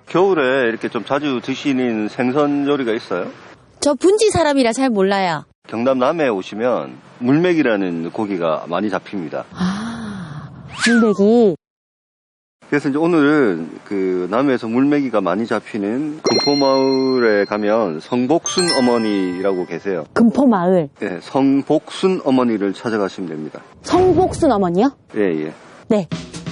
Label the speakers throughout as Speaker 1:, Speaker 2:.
Speaker 1: 겨울에 이렇게 좀 자주 드시는 생선 요리가 있어요?
Speaker 2: 저 분지 사람이라 잘 몰라요.
Speaker 1: 경남 남해에 오시면 물맥이라는 고기가 많이 잡힙니다.
Speaker 2: 아, 물맥이.
Speaker 1: 그래서 이제 오늘은 그 남해에서 물맥이가 많이 잡히는 금포마을에 가면 성복순 어머니라고 계세요.
Speaker 2: 금포마을.
Speaker 1: 네, 성복순 어머니를 찾아가시면 됩니다.
Speaker 2: 성복순 어머니요?
Speaker 1: 예, 예.
Speaker 2: 네.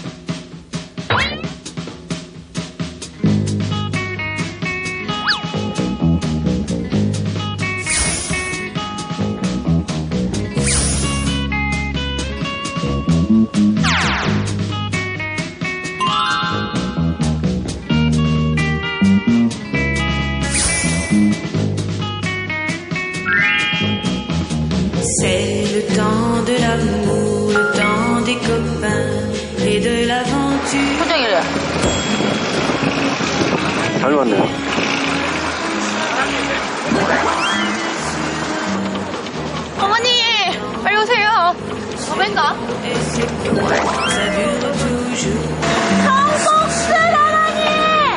Speaker 3: C'est le temps de l'amour, le temps des copains et de l'aventure.
Speaker 2: 포장이래요.
Speaker 1: 잘 왔네요.
Speaker 2: 어머니! 빨리 오세요. 어맨가?
Speaker 3: Et c'est pour ça dure toujours.
Speaker 2: 성복순 어머니!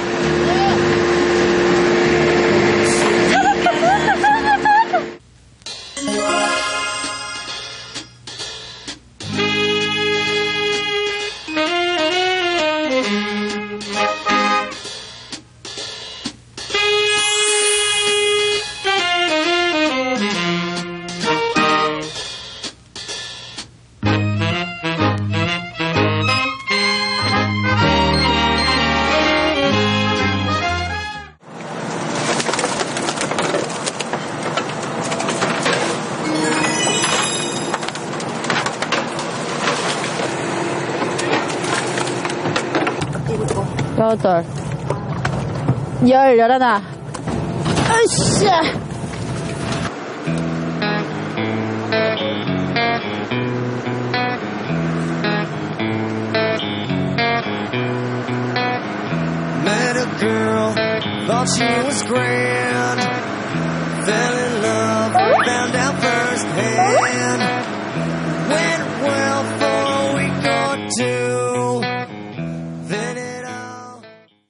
Speaker 2: 여덟, 열하나. 으쌰!
Speaker 4: Met a girl, thought she was grand. Fell in love, found out firsthand. Went well for a week or two. Then it all.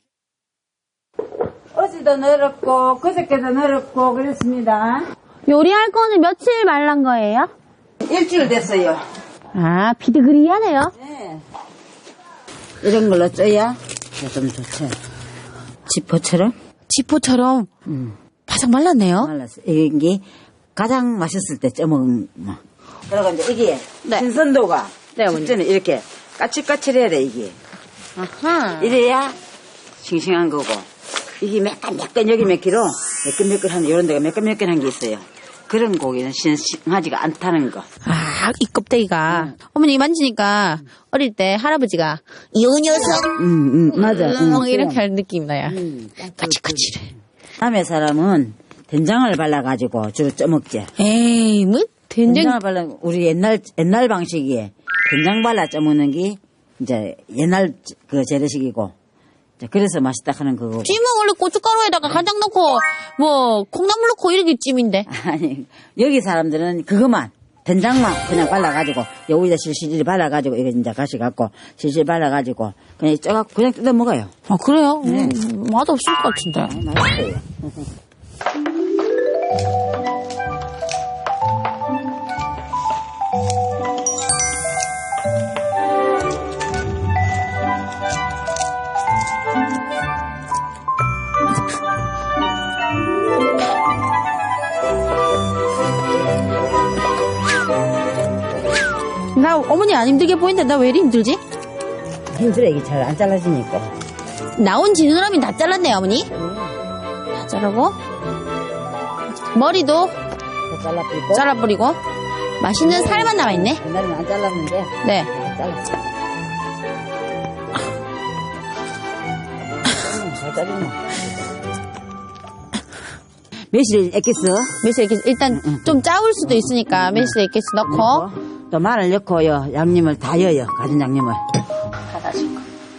Speaker 5: 어제도 늘었고 그저께도 늘었고 그랬습니다.
Speaker 2: 요리할 거는 며칠 말란 거예요?
Speaker 5: 일주일 됐어요.
Speaker 2: 아, 비드그리하네요.
Speaker 5: 네. 이런 걸로 쪄야 좀 좋죠. 지포처럼
Speaker 2: 지포처럼 바삭 말랐네요.
Speaker 5: 말랐어. 이게 가장 맛있을 때 쪄먹은 뭐. 그리고 이제 이게
Speaker 2: 네.
Speaker 5: 신선도가
Speaker 2: 네, 어머니.
Speaker 5: 진짜는 이렇게 까칠까칠해야 돼 이게.
Speaker 2: 아하.
Speaker 5: 이래야 싱싱한 거고. 이게 매끈매끈 여기 몇 킬로 매끈매끈한 이런 데가 매끈매끈한 게 있어요. 그런 고기는 싱싱하지가 않다는 거.
Speaker 2: 아, 이 껍데기가. 어머니 만지니까 어릴 때 할아버지가 이 녀석
Speaker 5: 맞아.
Speaker 2: 이렇게 할 느낌 나요. 까칠까칠해.
Speaker 5: 남의 사람은 된장을 발라가지고 주로 쪄먹지.
Speaker 2: 에이, 뭐 된장.
Speaker 5: 된장을 발라 우리 옛날 방식이에 된장 발라 쪄먹는 게 이제 옛날 그 재래식이고. 그래서 맛있다 하는 거고.
Speaker 2: 찜은 원래 고춧가루에다가 간장 넣고 뭐 콩나물 넣고 이렇게 찜인데.
Speaker 5: 아니 여기 사람들은 그것만 된장만 그냥 발라가지고 여기다 실실 발라가지고 이거 이제 가시 갖고 실실 발라가지고 그냥 쪄갖고 그냥 뜯어 먹어요.
Speaker 2: 아, 그래요?
Speaker 5: 네.
Speaker 2: 맛없을 것 같은데.
Speaker 5: 맛있어요.
Speaker 2: 나 어머니 안 힘들게 보이는데 나 왜 이리 힘들지?
Speaker 5: 힘들어 이게 잘 안 잘라지니까.
Speaker 2: 나온 지느러미 다 잘랐네요, 어머니. 다 자르고 머리도
Speaker 5: 다 잘라버리고.
Speaker 2: 잘라버리고 맛있는 살만 남아있네.
Speaker 5: 옛날에는 안 잘랐는데.
Speaker 2: 네.
Speaker 5: 잘랐어. 잘 자르네. 매실 액기스
Speaker 2: 매실 액기스 일단 좀 짜울 수도 있으니까 매실 액기스 넣고
Speaker 5: 또 마늘 넣고요. 양념을 다 넣어요. 가진 양념을.
Speaker 2: 다 다시고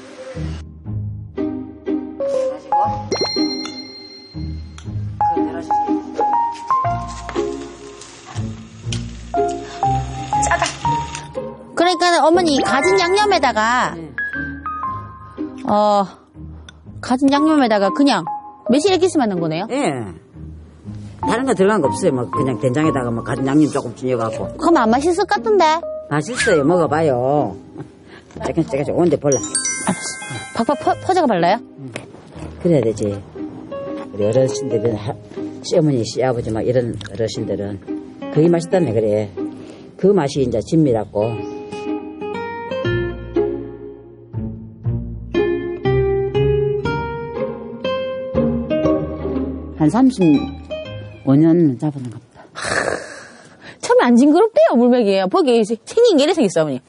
Speaker 2: 짜다. 그러니까 어머니 가진 양념에다가 가진 양념에다가 그냥 매실 액기스만 넣은 거네요?
Speaker 5: 예. 다른 거 들어간 거 없어요. 뭐 그냥 된장에다가 뭐 가진 양념 조금 쥐어갖고.
Speaker 2: 그럼 안 맛있을 것 같은데?
Speaker 5: 맛있어요. 먹어봐요. 조금씩 온데 볼라.
Speaker 2: 박박 퍼져가 발라요?
Speaker 5: 그래야 되지. 우리 어르신들은 시어머니, 시아버지 막 이런 어르신들은 그게 맛있다며 그래. 그 맛이 이제 진미라고. 한 35년 잡은 겁니다.
Speaker 2: 처음에 안 징그럽대요, 물맥이에요. 보기 생긴 게 이래 생겼어, 어머니.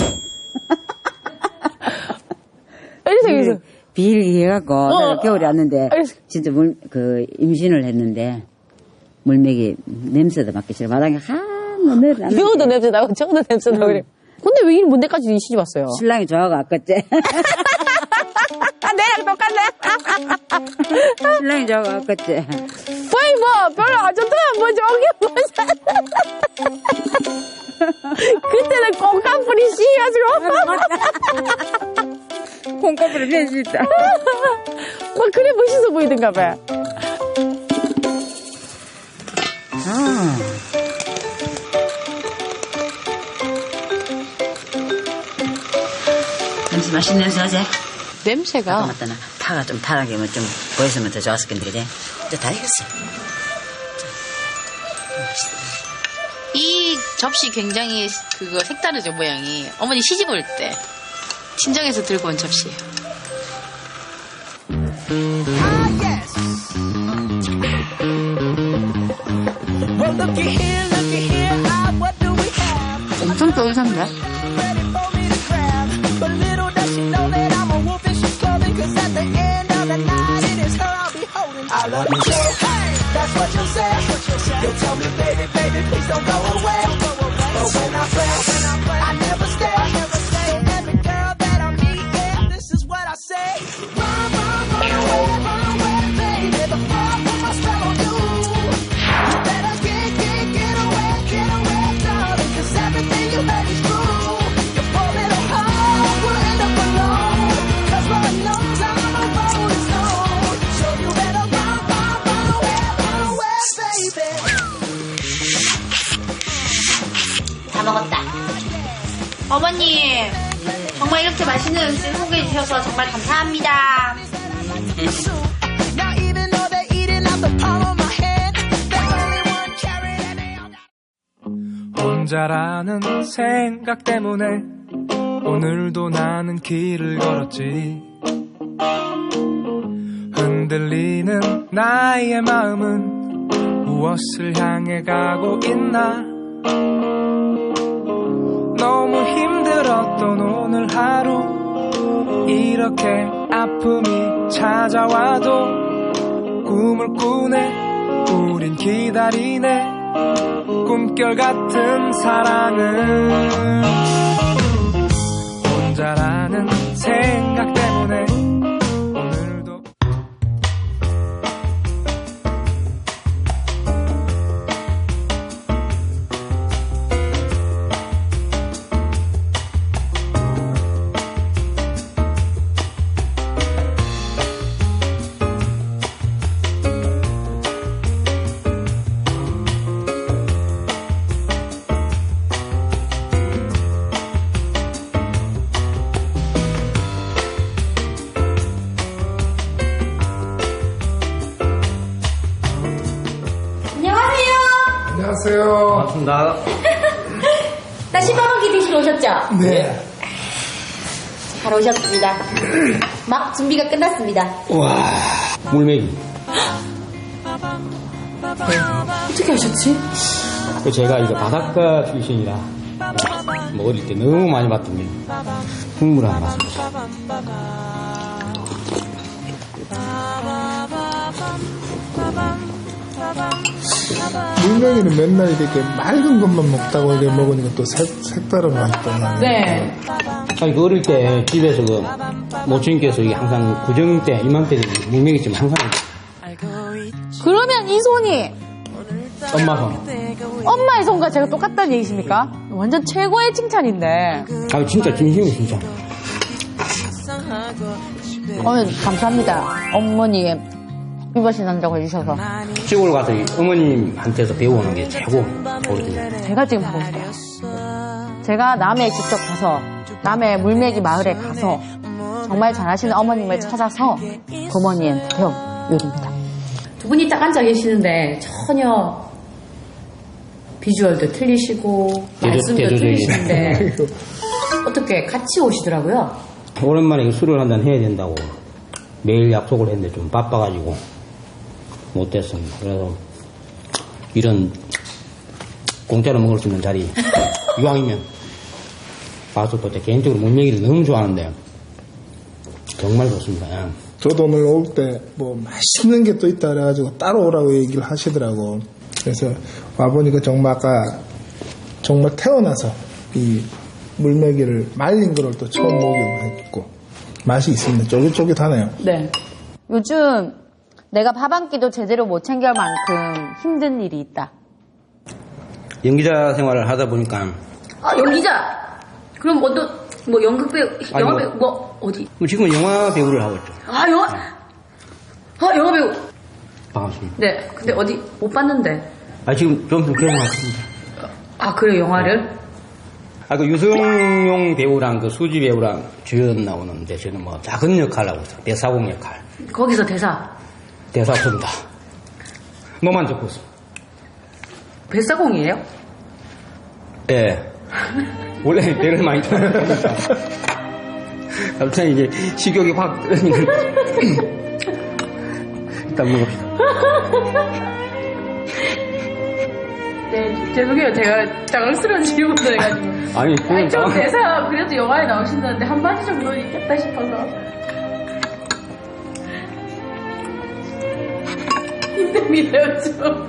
Speaker 2: 이래 생겼어.
Speaker 5: 비일기해갖고 내가 겨울에 왔는데
Speaker 2: 알겠어.
Speaker 5: 진짜 임신을 했는데 물맥이 냄새도 맡기 싫어. 마당에 한번 내려놨는데
Speaker 2: 이거도 냄새 나고 저거도 냄새 나고 그래. 근데 왜 이런 뭔데까지 시집 왔어요?
Speaker 5: 신랑이 좋아하고 아깝지.
Speaker 2: 내랑 똑같네.
Speaker 5: 신랑이 좋아하고 아깝지.
Speaker 2: 거의 뭐 별로 안 좋더라. 뭐 저기 그때는 콩깍불이 씌가지고
Speaker 5: 콩깍불이 변신했다.
Speaker 2: 막 그래 멋있어 보이던가 봐.
Speaker 5: 냄새 맛있는 냄새 나지?
Speaker 2: 냄새가
Speaker 5: 맞다. 파가 좀 타라게 좀 보였으면 더 좋았을 건데 그래. 이제 다 익었어.
Speaker 6: 이 접시 굉장히 그거 색다르죠, 모양이. 어머니 시집 올 때 친정에서 들고 온 접시예요.
Speaker 2: 엄청 쫄깃한데?
Speaker 6: 다 먹었다. 어머니, 정말 이렇게 맛있는 음식 소개해 주셔서 정말 감사합니다.
Speaker 7: 혼자라는 생각 때문에 오늘도 나는 길을 걸었지. 흔들리는 나의 마음은 무엇을 향해 가고 있나. 너무 힘들었던 오늘 하루 이렇게 아픔이 찾아와도 꿈을 꾸네. 우린 기다리네. 꿈결 같은 사랑을. 혼자라는 생각 때문에 오늘도
Speaker 8: 안녕하세요.
Speaker 9: 반갑습니다.
Speaker 2: 나 시바먹기 드시러 오셨죠?
Speaker 8: 네.
Speaker 2: 잘 오셨습니다. 막 준비가 끝났습니다.
Speaker 9: 와, 물메기.
Speaker 2: 어떻게 하셨지?
Speaker 9: 제가 이거 바닷가 출신이라 뭐 어릴 때 너무 많이 봤던 게 국물 하나 맛을
Speaker 8: 물메기는 맨날 이렇게 맑은 것만 먹다고 이렇게 먹으니까 또 색다른 맛도 나네.
Speaker 2: 네.
Speaker 9: 아니 그 어릴 때 집에서 그 모친께서 이게 항상 구정 때 이맘때 되면 물메기찜 항상
Speaker 2: 그러면 이 손이
Speaker 9: 엄마 손.
Speaker 2: 엄마의 손과 제가 똑같다는 얘기십니까? 완전 최고의 칭찬인데.
Speaker 9: 아 진짜 진심이 진짜.
Speaker 2: 어머니 감사합니다. 어머니의 입맛이 난다고 해주셔서.
Speaker 9: 시골 가서 어머님한테서 배우는 게 최고 거거든요.
Speaker 2: 제가 지금 하고 싶어요. 제가 남해 직접 가서 남해 물메기 마을에 가서 정말 잘하시는 어머님을 찾아서 어머니한테 배운 요리입니다.
Speaker 6: 두 분이 딱 앉아 계시는데 전혀 비주얼도 틀리시고 말씀도 틀리시는데 어떻게 같이 오시더라고요.
Speaker 9: 오랜만에 술을 한잔 해야 된다고 매일 약속을 했는데 좀 바빠가지고 못됐습니다. 그래서 이런 공짜로 먹을 수 있는 자리 이왕이면 가서 또 개인적으로 물메기를 너무 좋아하는데 정말 좋습니다. 예.
Speaker 8: 저도 오늘 올 때 뭐 맛있는 게 또 있다 그래가지고 따로 오라고 얘기를 하시더라고. 그래서 와보니까 정말 아까 정말 태어나서 이 물메기를 말린 거를 또 처음 먹여봤고 맛이 있습니다. 쫄깃쫄깃하네요.
Speaker 2: 네. 요즘 내가 밥 한 끼도 제대로 못 챙길 만큼 힘든 일이 있다.
Speaker 9: 연기자 생활을 하다 보니까
Speaker 6: 아 연기자. 그럼 뭐 연극 배우, 영화 배우 뭐 어디?
Speaker 9: 지금은 영화 배우를 하고 있죠.
Speaker 6: 아 영화 배우.
Speaker 9: 반갑습니다.
Speaker 6: 네. 근데 어디 못 봤는데.
Speaker 9: 지금 좀 개봉했습니다.
Speaker 6: 아 그래 영화를?
Speaker 9: 그 유승용 배우랑 그 수지 배우랑 주연 나오는데 저는 뭐 작은 역할 하고 있어요. 대사공 역할.
Speaker 6: 거기서 대사
Speaker 9: 없습니다. 너만 적고 있습니다.
Speaker 6: 뱃사공이에요?
Speaker 9: 예. 원래 배를 많이 타니까 갑자기 이제 식욕이 확 떨어지는 일단 먹읍시다.
Speaker 6: 네, 죄송해요. 제가 당황스러운 질문을 해가지고.
Speaker 9: 아니,
Speaker 6: 좀 대사 그래도 영화에 나오신다는데 한마디 정도는 있겠다 싶어서. 힘듭니다, 요즘.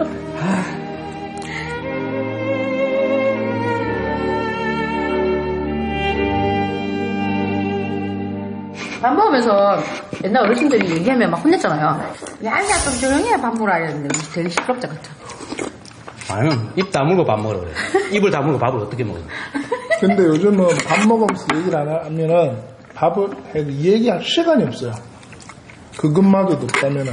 Speaker 6: 밥 먹으면서 옛날 어르신들이 얘기하면 막 혼냈잖아요. 야, 좀 조용히 해, 밥 먹으라 이랬는데 되게 시끄럽지 않죠?
Speaker 9: 아유, 입 다물고 밥 먹으라 그래. 입을 다물고 밥을 어떻게 먹어요?
Speaker 8: 근데 요즘은 밥 먹으면서 얘기를 안 하면은 밥을 해도 얘기할 시간이 없어요. 그것마저도 없다면은.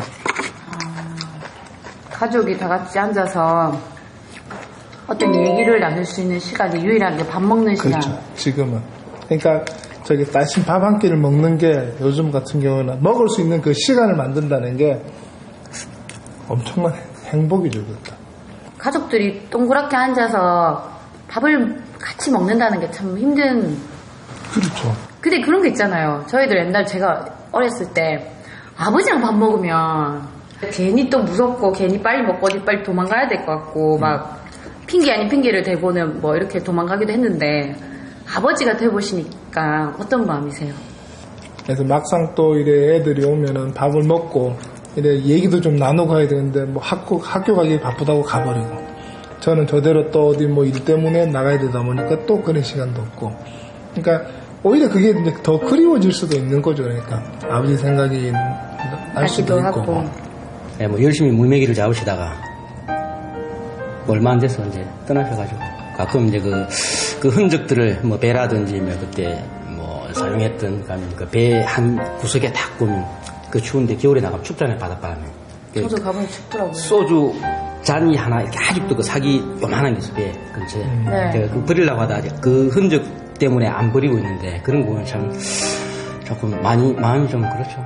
Speaker 6: 가족이 다 같이 앉아서 어떤 얘기를 나눌 수 있는 시간이 유일한 게 밥 먹는 시간.
Speaker 8: 그렇죠. 지금은. 그러니까 저기 따신 밥 한 끼를 먹는 게 요즘 같은 경우는 먹을 수 있는 그 시간을 만든다는 게 엄청난 행복이죠, 그것도.
Speaker 6: 가족들이 동그랗게 앉아서 밥을 같이 먹는다는 게 참 힘든.
Speaker 8: 그렇죠.
Speaker 6: 근데 그런 게 있잖아요. 저희들 옛날 제가 어렸을 때 아버지랑 밥 먹으면 괜히 또 무섭고 괜히 빨리 먹고 어디 빨리 도망가야 될 것 같고 막 핑계 아닌 핑계를 대고는 뭐 이렇게 도망가기도 했는데 아버지가 돼보시니까 어떤 마음이세요?
Speaker 8: 그래서 막상 또 이래 애들이 오면은 밥을 먹고 이래 얘기도 좀 나누고 가야 되는데 뭐 학교 가기 바쁘다고 가버리고 저는 저대로 또 어디 뭐 일 때문에 나가야 되다 보니까 또 그런 시간도 없고 그러니까 오히려 그게 이제 더 그리워질 수도 있는 거죠. 그러니까 아버지 생각이 날 수도 있고.
Speaker 9: 네, 뭐 열심히 물메기를 잡으시다가 뭐 얼마 안 돼서 이제 떠나셔가지고 가끔 이제 그 흔적들을 뭐 배라든지 뭐 그때 뭐 사용했던 그 배 한 구석에 딱 보면 그 추운데 겨울에 나가면 춥잖아요, 바닷바람에.
Speaker 6: 저도 가보니 춥더라고요.
Speaker 9: 소주 잔이 하나 이렇게 아직도 그 사기 요만한 게 있어, 배 근처에.
Speaker 6: 네.
Speaker 9: 그 버리려고 하다 그 흔적 때문에 안 버리고 있는데 그런 거 보면 참 조금 마음이 좀 그렇죠.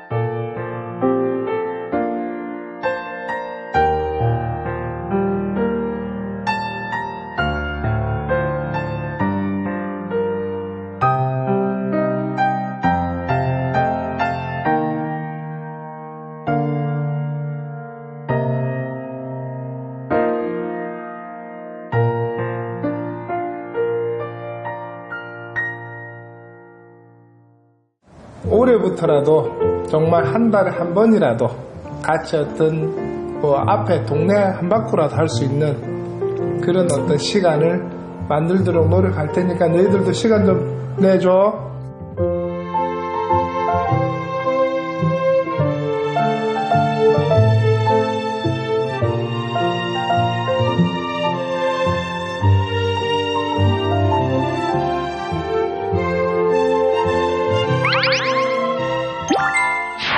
Speaker 8: 올해부터라도 정말 한 달에 한 번이라도 같이 어떤 뭐 앞에 동네 한 바퀴라도 할 수 있는 그런 어떤 시간을 만들도록 노력할 테니까 너희들도 시간 좀 내줘.